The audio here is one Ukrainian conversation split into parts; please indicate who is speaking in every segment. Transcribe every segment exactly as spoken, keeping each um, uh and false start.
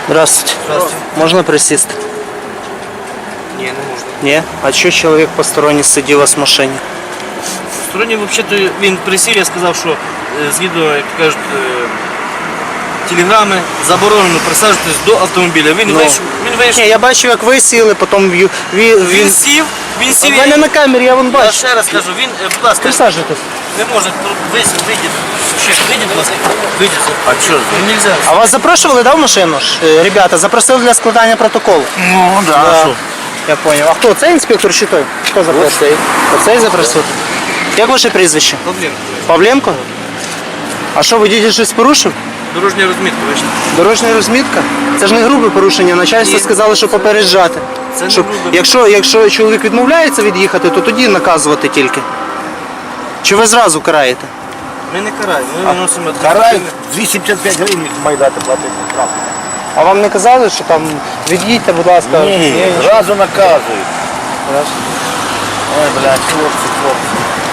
Speaker 1: Здравствуйте.
Speaker 2: Здравствуйте.
Speaker 1: Можна присісти?
Speaker 2: Ні, не можна.
Speaker 1: Ні? А що чоловік посторонній сидів у вас в машині?
Speaker 2: Сторонній, взагалі, він присів, я сказав, що е, згідно, як кажуть, е, телеграми, заборонено присаджуватись до автомобіля. Він
Speaker 1: Ну.
Speaker 2: вийшов, він вийшов.
Speaker 1: Ні, я бачив, як ви сіли, потім він... він...
Speaker 2: Він сів, він
Speaker 1: У
Speaker 2: сів.
Speaker 1: мене на камері, я вон
Speaker 2: Я
Speaker 1: бачу.
Speaker 2: ще раз кажу, він, е, будь ласка,
Speaker 1: Присаджуйтесь.
Speaker 2: не може, вийдіть, ще вийдіть, будь ласка, вийдіть. А що, ну нельзя.
Speaker 1: А вас запрошували, да, в машину? ж? Е, Ребята, запросили для складання протоколу.
Speaker 2: Ну, да,
Speaker 1: Да.
Speaker 2: а що?
Speaker 1: Я понял. А хто? Цей інспектор чи той? Хто запросив?
Speaker 2: Оцей.
Speaker 1: Оцей запросив? Як ваше прізвище?
Speaker 2: Проблем.
Speaker 1: Павленко? А що, водитель щось порушив?
Speaker 2: Дорожня розмітка вийшла.
Speaker 1: Дорожня розмітка? Це ж не грубе порушення. Начальство
Speaker 2: Ні.
Speaker 1: сказало, що попереджати.
Speaker 2: Це не
Speaker 1: Щоб,
Speaker 2: грубе.
Speaker 1: якщо, якщо чоловік відмовляється від'їхати, то тоді наказувати тільки. Чи ви зразу караєте?
Speaker 2: Ми не караємо, ми виносимо
Speaker 3: Карай двісті п'ятдесят п'ять гривень має дати платити штраф.
Speaker 1: А вам не казали, що там від'їдьте, будь ласка?
Speaker 3: Ні,
Speaker 1: нічого.
Speaker 3: зразу наказують.
Speaker 1: Раз.
Speaker 3: Ой, блядь, хлопці, хлопці.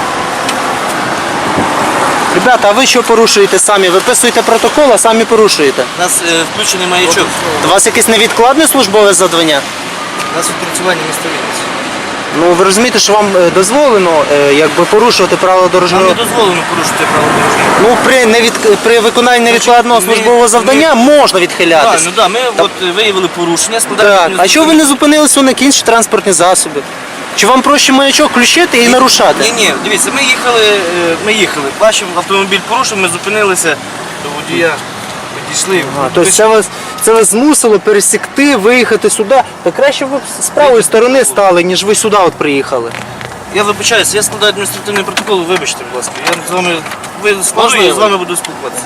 Speaker 1: Ребята, а ви що порушуєте самі? Виписуєте протокол, а самі порушуєте.
Speaker 2: У нас е, включений маячок.
Speaker 1: У вас якесь невідкладне службове завдання?
Speaker 2: У нас відпрацювання містовідності.
Speaker 1: Ну ви розумієте, що вам е, дозволено е, якби порушувати правила
Speaker 2: Нам
Speaker 1: дорожнього
Speaker 2: не дозволено порушити правила дорожнього руху.
Speaker 1: Ну, при, невід... при виконанні невідкладного
Speaker 2: ми-
Speaker 1: службового завдання можна
Speaker 2: Так,
Speaker 1: відхилятися.
Speaker 2: ну да, ми от е, виявили порушення, складаємо.
Speaker 1: Так. А
Speaker 2: адміністративне-
Speaker 1: чого ви не зупинилися на інші транспортні засоби? Чи вам проще маячок включити і нарушати?
Speaker 2: Ні, ні, дивіться, ми їхали, е, ми їхали, бачимо, автомобіль порушив, ми зупинилися до водія, підійшли.
Speaker 1: А, тобто це вас, це вас змусило пересікти, виїхати сюди. Та краще ви б з правої сторони стали, ніж ви сюди от приїхали.
Speaker 2: Я вибачаюся, я складаю адміністративний протокол, вибачте, будь ласка. Я з вами, ви скажу, я з вами буду спілкуватися.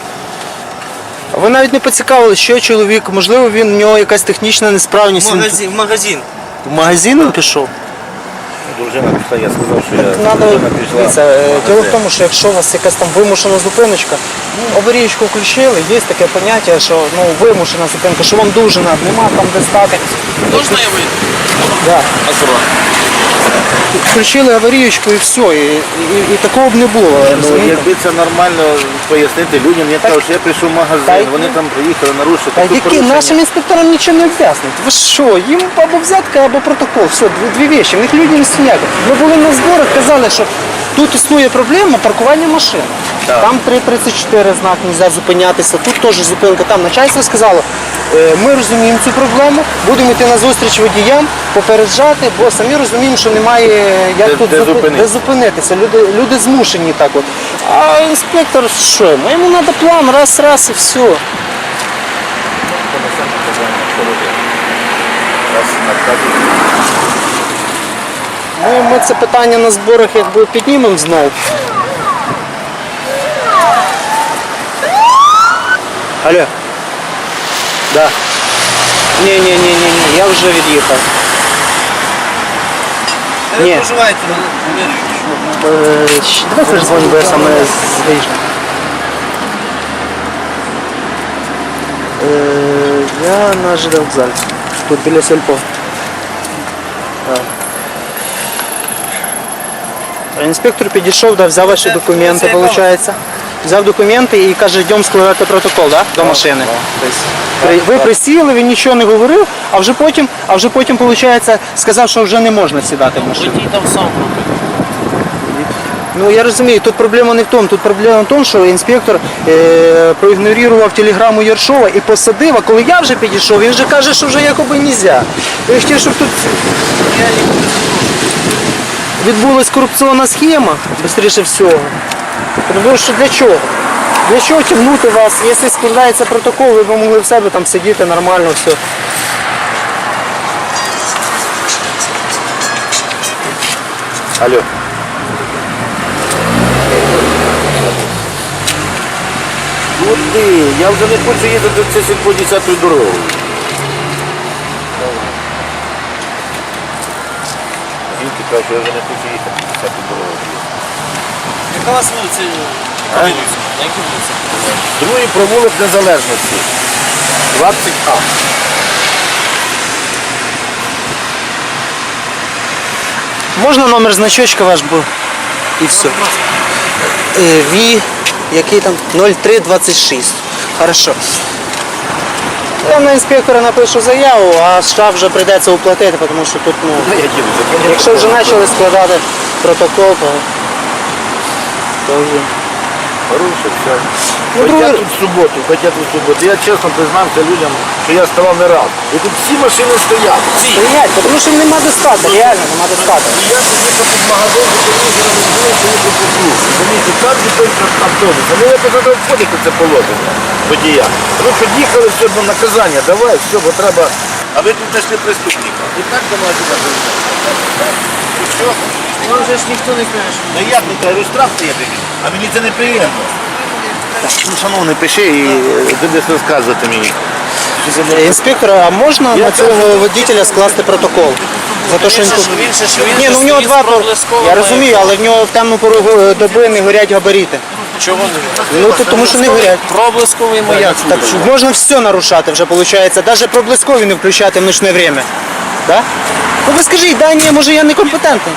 Speaker 1: А ви навіть не поцікавили, що чоловік, можливо, він в нього якась технічна
Speaker 2: В
Speaker 1: несправність. він
Speaker 2: магазин, в магазин.
Speaker 1: В магазин він пішов?
Speaker 3: Дружина пішла, я сказав, що я
Speaker 1: Надо,
Speaker 3: дружина пішла.
Speaker 1: дивіться,
Speaker 3: в
Speaker 1: е,
Speaker 3: магазин.
Speaker 1: діло в тому, що якщо у вас якась там вимушена зупиночка, аварійку включили, є таке поняття, що ну, вимушена зупинка, що вам дуже треба, нема там де стати.
Speaker 2: Можна я вийду?
Speaker 1: Да.
Speaker 2: Аккуратно.
Speaker 1: Включили аварійку і все, і, і, і такого б не було.
Speaker 3: Ну,
Speaker 1: розумієте?
Speaker 3: якби це нормально пояснити людям, я кажу, що я прийшов в
Speaker 1: Та
Speaker 3: магазин,
Speaker 1: й-
Speaker 3: вони там приїхали, нарушили.
Speaker 1: Та
Speaker 3: тут
Speaker 1: які
Speaker 3: порушення.
Speaker 1: нашим інспекторам нічого не об'яснить. Ви що, їм або взятка, або протокол. Все, дві, дві речі. В них люди не сняти. Ми були на зборах, казали, що тут існує проблема паркування машин.
Speaker 3: Так.
Speaker 1: Там три тридцять чотири знак, не можна зупинятися, тут теж зупинка. Там начальство сказало, «Е, ми розуміємо цю проблему, будемо йти на зустріч водіям, попереджати, бо самі розуміємо, що немає як
Speaker 3: Де-
Speaker 1: тут
Speaker 3: де
Speaker 1: зупи-
Speaker 3: зупинитися.
Speaker 1: де зупинитися. Люди, люди змушені так от. А інспектор що? йому? Йому треба план, раз, раз і все.
Speaker 3: Раз наказують.
Speaker 1: Ну, ми це питання на зборах якби піднімемо знову. Алло. Да. Ні, ні, ні, ні, ні, я вже від'їхав.
Speaker 2: Ви
Speaker 1: Ні.
Speaker 2: проживаєте на Валерійовичу?
Speaker 1: Е, щ- Давай перезвоню, бо я саме з- виїжджаю. Е, Я на ЖД вокзалі. Тут біля сельпо. Так. А Інспектор підійшов, да, взяв ваші
Speaker 2: Це-
Speaker 1: документи,
Speaker 2: це яка?
Speaker 1: виходить. Взяв документи і каже, йдемо складати протокол, да? До машини. Тобто, при- ви присіли, він нічого не говорив, а вже потім, а вже потім, виходить, сказав, що вже не можна сідати в машину.
Speaker 2: Водій там сам робить.
Speaker 1: Ну я розумію, тут проблема не в тому. Тут проблема в тому, що інспектор е, проігнорував телеграму Єршова і посадив, а коли я вже підійшов, він вже каже, що вже якоби не можна. Я хотів, щоб тут відбулась корупційна схема, швидше всього. Тому що для чого? Для чого тягнути вас? Якщо складається протокол, ви б могли в себе там сидіти нормально, все.
Speaker 3: Алло. Куди? Я вже не хочу їздити це сільпо десятою дорогою. Жінки кажуть, що я вже не хочу їхати десятою дорогою.
Speaker 2: Яка у вас вулиця?
Speaker 3: А?
Speaker 2: Валерійовича? На якій вулиці?
Speaker 3: Другий провулок Незалежності. двадцять А.
Speaker 1: Можна номер значочка ваш був? І все. Е, Ві, який там? нуль три двадцять шість. Хорошо. там на інспектора напишу заяву, а штраф вже прийдеться уплатити, тому що тут, ну,
Speaker 3: Ну, я дивлюся, конечно.
Speaker 1: якщо вже почали складати протокол, то, то вже.
Speaker 3: Порушив, все.
Speaker 1: Ну,
Speaker 3: Хоча
Speaker 1: друге-
Speaker 3: тут в суботу, хоча тут в суботу. Я чесно признався людям, що я ставав не раз. І тут всі машини стоять. Всі.
Speaker 1: Стоять, тому що нема достатку, реально нема достатку.
Speaker 3: І я поїхав під магазин, по телевізору не було, поїхав по кругу. Розумієте, так зупинка автобус. Ну я туди входити це положення водія. Ви під'їхали, все, ну, наказання, давай, все, бо треба. А ви тут знайшли преступника. І так давай сюди. Все.
Speaker 2: Ну вже ж ніхто не каже.
Speaker 3: Ну як не кажу, штраф є тобі, а мені це неприємно. Так, ну, шановний, пиши і е, будеш розказувати мені.
Speaker 1: Інспектор, а можна
Speaker 3: Я
Speaker 1: на цього
Speaker 3: кажу,
Speaker 1: водителя скласти протокол? За те, що він тут...
Speaker 2: Він ще ж він
Speaker 1: Ні,
Speaker 2: же
Speaker 1: ну в нього
Speaker 2: стоїть
Speaker 1: два
Speaker 2: з
Speaker 1: пор...
Speaker 2: проблисковими.
Speaker 1: Я розумію, але в нього в темну пору доби не горять габарити.
Speaker 2: Чого не?
Speaker 1: Ну, то, тому що не горять.
Speaker 2: Проблисковий маяк.
Speaker 1: Так що можна все нарушати вже, виходить. Навіть проблискові не включати в ночне время. Да? Ну ви скажіть, да, ні, може я некомпетентний.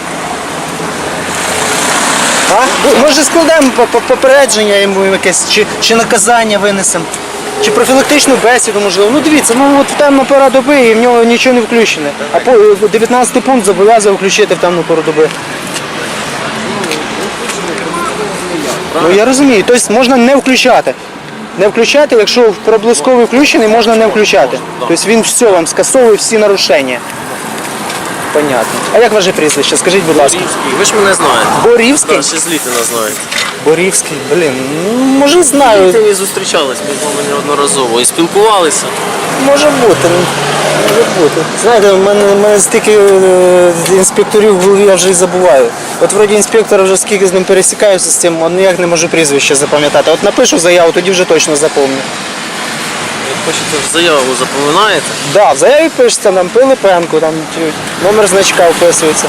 Speaker 1: А? Ну, може складемо по- по- попередження йому якесь, чи, чи наказання винесемо, чи профілактичну бесіду, можливо. Ну дивіться, ну от в темну пору доби і в нього нічого не включене. А по дев'ятнадцятий пункт зобов'язує включити в темну пору доби. Ну я розумію, тобто можна не включати. Не включати, якщо проблисковий включений, можна не включати. Тобто він все вам скасовує всі нарушення. Понятно. А як ваше прізвище? Скажіть, будь ласка.
Speaker 2: Ви ж мене знаєте.
Speaker 1: Борівський?
Speaker 2: Так, ще з Літина знаєте.
Speaker 1: Борівський, блін, ну може знаю.
Speaker 2: Ми зустрічались, ми з вами неодноразово і спілкувалися.
Speaker 1: Може бути, ну, може бути. Знаєте, в мене, в мене стільки е, інспекторів в голові, я вже і забуваю. От вроді інспектора вже скільки з ним пересікаюся з цим, а ніяк не можу прізвище запам'ятати. От напишу заяву, тоді вже точно запам'ятаю.
Speaker 2: Як хочете заяву запоминаєте?
Speaker 1: Да, в заяві пишеться там Пилипенко, там чи номер значка вписується.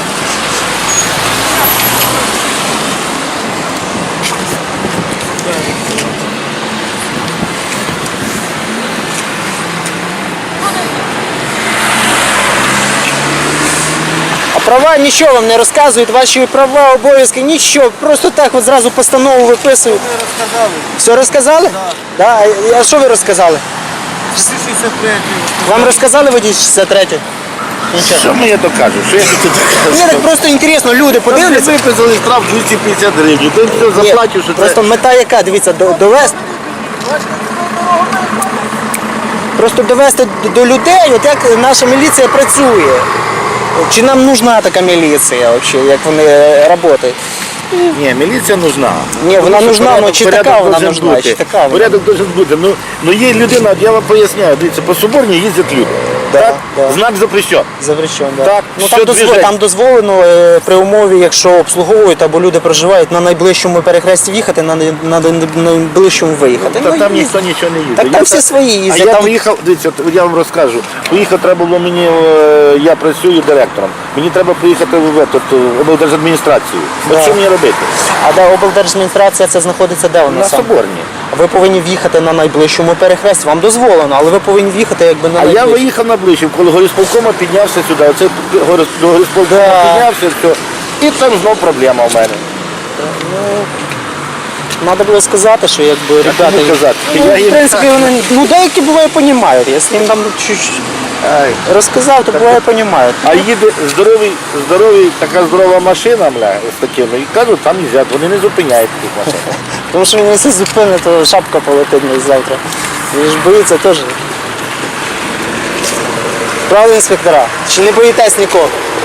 Speaker 1: А права нічого вам не розказують, ваші права, обов'язки, нічого. Просто так от зразу постанову виписують.
Speaker 3: Ви розказали.
Speaker 1: Все розказали? Да. Да. А що ви розказали?
Speaker 3: шістдесят третій.
Speaker 1: Вам розказали водій шістдесят третій? Нічого.
Speaker 3: Що мені то кажуть? Що я тут
Speaker 1: Мені так просто інтересно, люди подивляться.
Speaker 3: виписали штраф двісті п'ятдесят гривень. Ти все
Speaker 1: Ні,
Speaker 3: заплатив, що
Speaker 1: просто
Speaker 3: це...
Speaker 1: мета яка, дивіться, до- довести. Просто довести д- до людей, от як наша міліція працює. Чи нам нужна така міліція взагалі, як вони працюють?
Speaker 3: Ні, міліція нужна.
Speaker 1: Ні, вона
Speaker 3: Тому що
Speaker 1: нужна,
Speaker 3: порядок-
Speaker 1: ну, чи
Speaker 3: порядок
Speaker 1: така вона
Speaker 3: должен
Speaker 1: нужна,
Speaker 3: бути.
Speaker 1: чи така вона?
Speaker 3: Порядок должен бути. Ну, ну є людина, от я вам поясняю, дивіться, по Соборній їздять люди.
Speaker 1: Да,
Speaker 3: так?
Speaker 1: да.
Speaker 3: Знак запрещен.
Speaker 1: Запрещено, да.
Speaker 3: Так,
Speaker 1: ну,
Speaker 3: що
Speaker 1: там, дозвол-
Speaker 3: движення?
Speaker 1: там дозволено е, при умові, якщо обслуговують або люди проживають на найближчому перехресті в'їхати, на, най- на найближчому виїхати.
Speaker 3: Та
Speaker 1: Ну,
Speaker 3: там
Speaker 1: і-
Speaker 3: ніхто нічого не їде.
Speaker 1: Так
Speaker 3: Я
Speaker 1: там
Speaker 3: та-
Speaker 1: всі свої
Speaker 3: А
Speaker 1: їздять.
Speaker 3: я
Speaker 1: там...
Speaker 3: поїхав, дивіться, от я вам розкажу. Поїхав треба було мені, е, я працюю директором. Мені треба поїхати в эту, облдержадміністрацію. От
Speaker 1: Да.
Speaker 3: що мені робити?
Speaker 1: А де облдержадміністрація це знаходиться де вона?
Speaker 3: На
Speaker 1: саме?
Speaker 3: Соборній.
Speaker 1: Ви повинні в'їхати на найближчому перехресті. Вам дозволено, але ви повинні в'їхати якби на
Speaker 3: А я
Speaker 1: найближчому.
Speaker 3: виїхав на ближче, коли горисполкома піднявся сюди. Оце горис- до горисполкома
Speaker 1: Да.
Speaker 3: піднявся, все. І там знов проблема у мене.
Speaker 1: Треба було сказати, що якби ребята.
Speaker 3: кому казати?
Speaker 1: Ну,
Speaker 3: Я
Speaker 1: в
Speaker 3: їм-
Speaker 1: принципі, вони ну деякі буває розуміють. Якщо їм там чуть
Speaker 3: Ай.
Speaker 1: розказав, то буває розуміють.
Speaker 3: А їде здоровий, здоровий, така здорова машина, бля, з такими, і кажуть, там їздять, вони не зупиняють тих машин.
Speaker 1: Тому що він якщо зупинить, то шапка полетить мені завтра. Він ж боїться теж. Правда, інспектора? Чи не боїтесь нікого?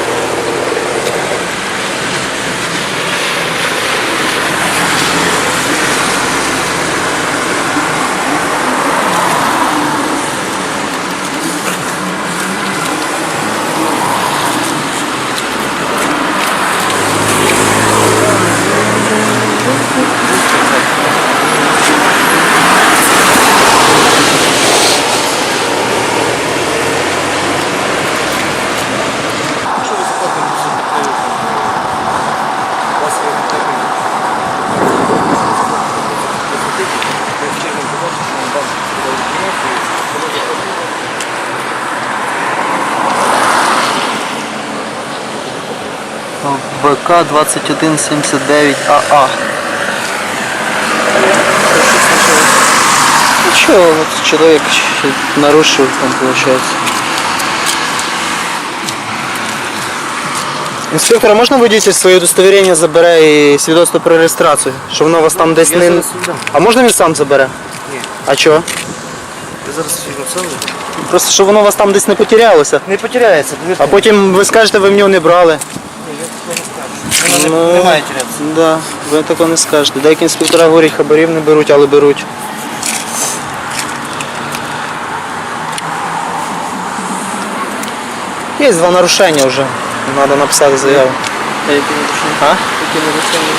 Speaker 1: БК двадцять один сімдесят дев'ять АА. ничего, вот человек нарушил, там получается. Інспектора, можна водитель своє удостоверення забере і свідоцтво про реєстрацію? Що воно у вас там десь
Speaker 2: Я
Speaker 1: не...
Speaker 2: зараз віддам.
Speaker 1: А можна він сам забере?
Speaker 2: Ні.
Speaker 1: А чого?
Speaker 2: Я зараз його сам заберу.
Speaker 1: Просто щоб воно у вас там десь не потерялося.
Speaker 2: Не потеряється, повірте.
Speaker 1: А потім ви скажете, ви в нього не брали.
Speaker 2: Воно
Speaker 1: Ну,
Speaker 2: не, не має терятися.
Speaker 1: Да, ви такого не скажете. Деякі інспектора говорять, хабарів не беруть, але беруть. Є два нарушення вже. Треба написати заяву.
Speaker 2: А які нарушення?
Speaker 1: А?
Speaker 2: Які нарушення?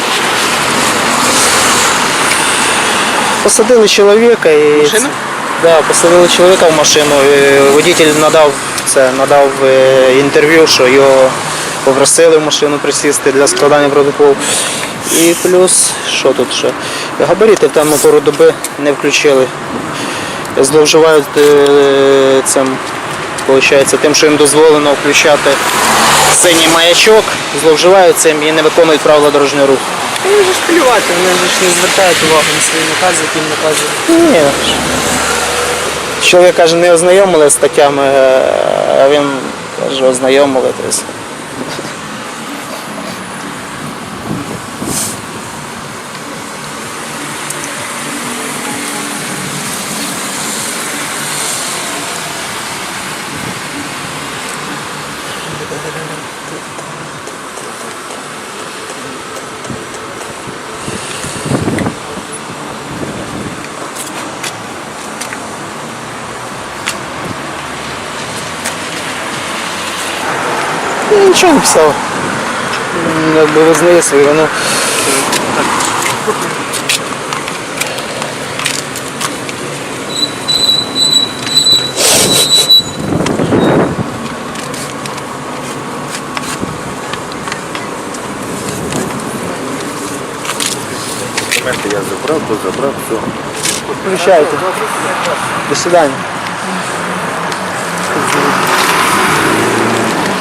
Speaker 1: Посадили чоловіка і.
Speaker 2: Машину?
Speaker 1: Да, посадили чоловіка в машину. І водитель надав це, надав е, інтерв'ю, що його попросили в машину присісти для складання протоколу. І плюс, що тут ще? Габарити в темну пору доби не включили. Зловживають е, цим, виходить, тим, що їм дозволено включати синій маячок, зловживають цим і не виконують правила дорожнього руху.
Speaker 4: Вони ж плювати, вони ж не звертають увагу на свої накази, які їм наказують.
Speaker 1: Ні. Чоловік каже, не ознайомили з статтями, а він каже, ознайомили. Тобто. Я нічого не писав. М, Якби визнає свою вину.
Speaker 3: Документи я забрав, то забрав, все.
Speaker 1: Включайте. До свидання.